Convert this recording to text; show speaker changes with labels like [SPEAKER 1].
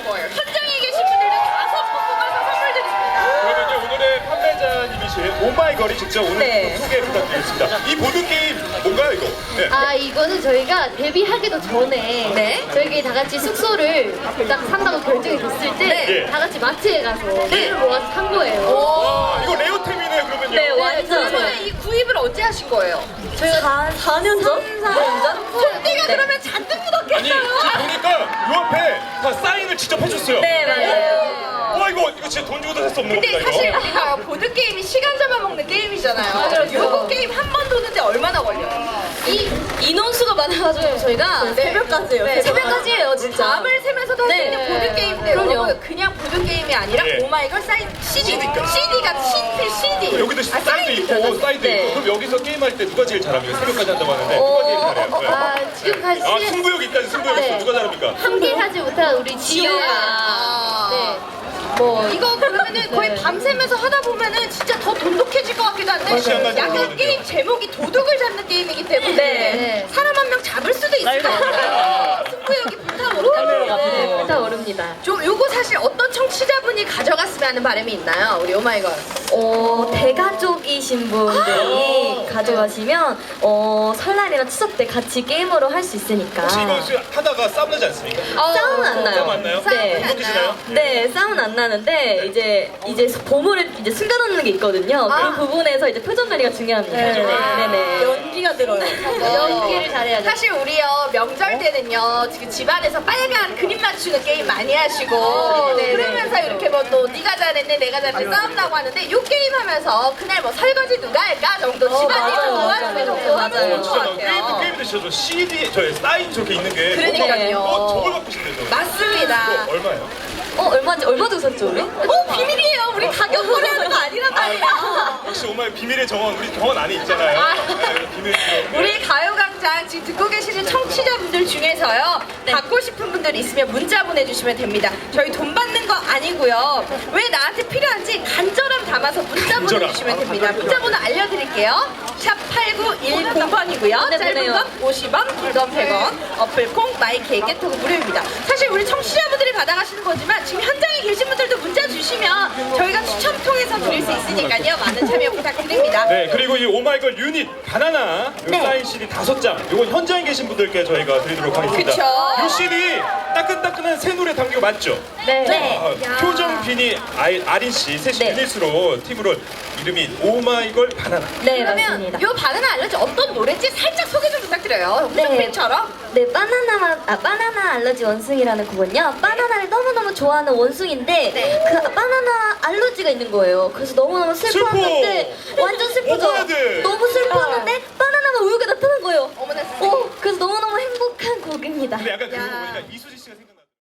[SPEAKER 1] 거예요. 현장에 계신 분들도 5분 뽑아서 선물 드립니다.
[SPEAKER 2] 그러면요 오늘의 판매자님이신 오마이걸이 직접 오늘
[SPEAKER 3] 네.
[SPEAKER 2] 소개 부탁드리겠습니다. 이 보드 게임 뭔가요 이거? 네.
[SPEAKER 4] 아 이거는 저희가 데뷔하기도 전에
[SPEAKER 1] 네.
[SPEAKER 4] 저희끼리 다 같이 숙소를 딱 산다고 결정이 됐을 때
[SPEAKER 2] 네.
[SPEAKER 4] 다 같이 마트에 가서 돈을 모아서 산 거예요.
[SPEAKER 2] 와 이거 레어템이네요 그러면요.
[SPEAKER 3] 네, 완전.
[SPEAKER 1] 그러면 이 구입을 언제 하신 거예요?
[SPEAKER 3] 저희가 4년 전? 4년 전?
[SPEAKER 1] 손띠가
[SPEAKER 3] 네.
[SPEAKER 1] 그러면 잔뜩
[SPEAKER 2] 아니
[SPEAKER 1] 묻었겠어요.
[SPEAKER 2] 지금 보니까 요 앞에 다 사인을 직접 해줬어요.
[SPEAKER 3] 네, 맞아요.
[SPEAKER 2] 와 이거 진짜 돈 주고도 살 수 없는
[SPEAKER 1] 근데
[SPEAKER 2] 겁니다
[SPEAKER 1] 사실
[SPEAKER 2] 이거.
[SPEAKER 1] 우리가 보드 게임이 시간 잡아먹는 게임이잖아요. 요거 게임 한 번 도는데 얼마나 걸려요?
[SPEAKER 3] 이 인원수가 많아가지고 저희가 새벽까지예요.
[SPEAKER 1] 네.
[SPEAKER 3] 새벽까지예요, 진짜.
[SPEAKER 1] 밤을 새면서도 할 수
[SPEAKER 3] 네.
[SPEAKER 1] 있는 보드 게임인데
[SPEAKER 3] 그럼요.
[SPEAKER 1] 여러분 그냥 보드 게임이 아니라
[SPEAKER 2] 네.
[SPEAKER 1] 오마이걸 사인 CD가 신필 CD.
[SPEAKER 2] 여기도 사인도 있고 사인도
[SPEAKER 3] 네.
[SPEAKER 2] 있고 그럼 여기서 게임할 때 누가 제일 잘합니까? 새벽까지 한다고 하는데 누가 제일 잘해요? 네.
[SPEAKER 4] 아 지금까지
[SPEAKER 2] 아 승부욕 있다니 승부욕 있어.
[SPEAKER 4] 네.
[SPEAKER 2] 누가 잘합니까?
[SPEAKER 4] 함께 하지 못한 우리 지효가 네. 뭐
[SPEAKER 1] 이거 그러면은 거의 밤새면서 하다 보면은 진짜 더 돈독해질 것 같기도 한데
[SPEAKER 2] 시간까지
[SPEAKER 1] 약간
[SPEAKER 2] 걸리거든요.
[SPEAKER 1] 게임 제목이 도둑을 잡는 게임이기 때문에
[SPEAKER 4] 네.
[SPEAKER 1] 사람 한 명 잡을 수도 있을 것 같아요. 승부욕이 불타오르다.
[SPEAKER 4] 네, 불타오릅니다.
[SPEAKER 1] 좀 요거 사실 어떤 청취자분이 가져갔으면 하는 바람이 있나요? 우리 오마이걸.
[SPEAKER 3] 대가족이신 분들이 가져가시면 설날이나 추석 때 같이 게임으로 할 수 있으니까.
[SPEAKER 2] 혹시 이거 하다가 싸움 나지 않습니까?
[SPEAKER 3] 싸움은 안 나요.
[SPEAKER 2] 싸움 안 나요?
[SPEAKER 3] 네.
[SPEAKER 2] 행복해지나요?
[SPEAKER 3] 네, 싸움은 안 나는데 이제 보물을 이제 숨겨놓는 게 있거든요. 그 부분에서 이제 표정 관리가 중요합니다. 네네. 연기가 들어요.
[SPEAKER 4] 연기를 잘해야죠.
[SPEAKER 1] 사실 우리요 명절 때는요 지금 집안에서 빨간 그림 맞추는 게임 많이 하시고 그러면서 이렇게 뭐 또 네가 잘했네 내가 잘했네 싸움 나고 하는데 요 게임 하면서 그날 뭐 설거지 누가 할까 정도 집안일
[SPEAKER 3] 맞아요,
[SPEAKER 1] 도와주는
[SPEAKER 3] 맞아요.
[SPEAKER 1] 정도 하면 좋을 것
[SPEAKER 2] 진짜
[SPEAKER 1] 같아요.
[SPEAKER 2] 게임도 진짜 CD 저희 사인 저렇게 있는 게
[SPEAKER 1] 그러니까요.
[SPEAKER 2] 저걸 갖고 싶네요.
[SPEAKER 1] 맞습니다.
[SPEAKER 2] 이거 얼마예요?
[SPEAKER 3] 얼마 주고 샀죠, 우리?
[SPEAKER 1] 비밀이에요. 우리 가격 거래하는 거 아니란 말이야.
[SPEAKER 2] 역시 오마이 비밀의 정원 우리 정원 안에 있잖아요. 네, 비밀
[SPEAKER 1] 우리 가요광장 지금 듣고 계시는 청취자분들 중에서요 받고 싶은 분들 있으면 문자 보내주시면 됩니다. 저희 돈 받는 거 아니고요. 왜 나한테 필요한지 간절함 담아서 문자
[SPEAKER 2] 간절함.
[SPEAKER 1] 보내주시면 됩니다. 문자 번호 알려드릴게요. 샵 8910번이고요.
[SPEAKER 3] 네,
[SPEAKER 1] 짧은
[SPEAKER 3] 보내요.
[SPEAKER 1] 건 50원, 긴 건 100원, 어플콩, 마이케이, 깨톡은 무료입니다. 사실 우리 청취자분들이 받아가시는 거지만 지금 현장에 계신 분들도 문자 주시면 저희가 추첨 통해서 드릴 수 있으니까요. 많은 참여 부탁드립니다.
[SPEAKER 2] 네 그리고 이 오마이걸 유닛 바나나 요 사인 CD 5장 요건 현장에 계신 분들께 저희가 드리도록 하겠습니다.
[SPEAKER 1] 그쵸.
[SPEAKER 2] 요 CD 따끈따끈한 새 노래 담기고 맞죠?
[SPEAKER 3] 네.
[SPEAKER 2] 표정 비니 아린 씨 셋이
[SPEAKER 3] 네.
[SPEAKER 2] 유닛으로 팀으로 이름이 오마이걸 바나나.
[SPEAKER 3] 네,
[SPEAKER 1] 그러면
[SPEAKER 3] 맞습니다.
[SPEAKER 1] 요 바나나 알러지 어떤 노래인지 살짝 소개 좀 부탁드려요.
[SPEAKER 3] 네.
[SPEAKER 1] 홈쇼핑처럼.
[SPEAKER 3] 네, 바나나 알러지 원숭이라는 곡은요. 바나나를 너무너무 좋아하는 원숭인데
[SPEAKER 1] 네.
[SPEAKER 3] 그 바나나 알러지가 있는 거예요. 그래서 너무너무 슬퍼하는데 완전 슬프죠?
[SPEAKER 2] 먹어야 돼.
[SPEAKER 3] 너무 슬퍼하는데 바나나가 우유가 나타난 거예요.
[SPEAKER 1] 어머나 세상에.
[SPEAKER 3] 그래서 너무너무 행복한 곡입니다.
[SPEAKER 2] 근데 약간 그런 거 보니까 이수지 씨가 생각.